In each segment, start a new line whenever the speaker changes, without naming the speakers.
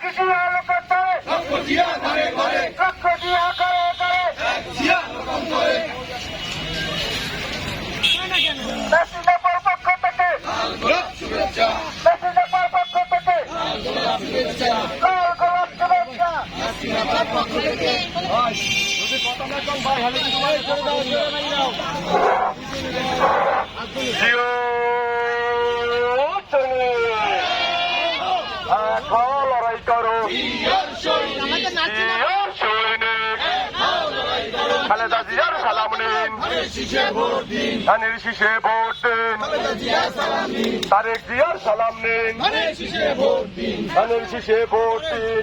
আলো করতে লক্ষ দিয়া করে মেসিদের পক্ষ থেকে মেসিদের পক্ষ থেকে লাল গোলাপ শুভেচ্ছা লড়াই করো খালেদা জিয়ার সালাম নিন ধানের শীষে ভোট দিন তারেক জিয়ার সালাম নিন ধানের শীষে ভোট দিন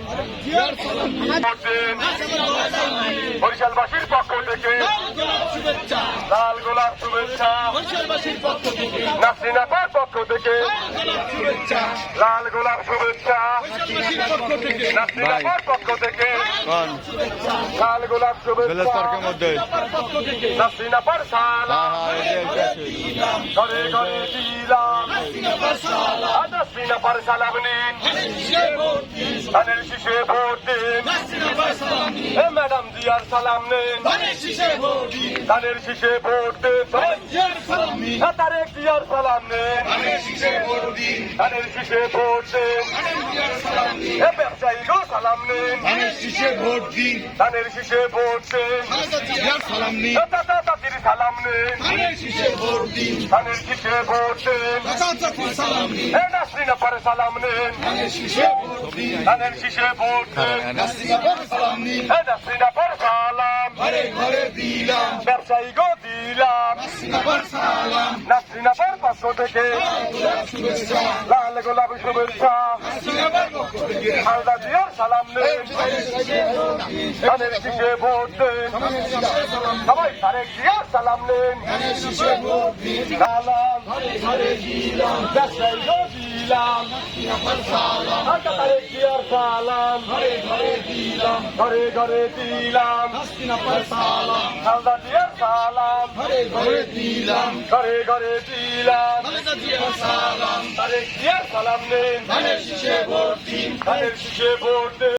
বরিশালবাসীর পক্ষ থেকে লাল গোলাপ শুভেচ্ছা নাসরিন আপার পক্ষ থেকে লাল গোলাপ শুভেচ্ছা নাসরিন আপার পক্ষ থেকে লাল গোলাপ শুভেচ্ছা নাসরিন আপার সালাম ঘরে ঘরে দিলাম নাসরিন আপার সালাম নিন ধানের শীষে ভোট দিন ম্যাডাম জিয়ার সালাম নিন ধানের শীষে ভোট দিন তারেক জিয়ার সালাম নিন ধানের শীষে ভোট দিন ব্যবসায়ী গো সালাম নিন ধানের শীষে ভোট দিন তাতির সালাম নিন ধানের শীষে ভোট দিন নাসরিন আপার সালাম নিন ধানের শীষে ভোট দিন নাসরিন আপার সালাম ব্যবসায়ী গো দিলাম নাসরিন আপার পক্ষ থেকে লাল গোলাপ শুভেচ্ছা খালেদা জিয়ার সালাম নিন ধানের শীষে ভোট দিন সবাই তারেক জিয়ার সালাম নিন সালাম ব্যবসায়ী গো দিলাম তারেক জিয়ার সালাম ঘরে ঘরে দিলাম খালেদা জিয়ার সালাম ঘরে ঘরে দিলাম তারেক জিয়ার সালাম নিন ধানের শীষে ভোট দিন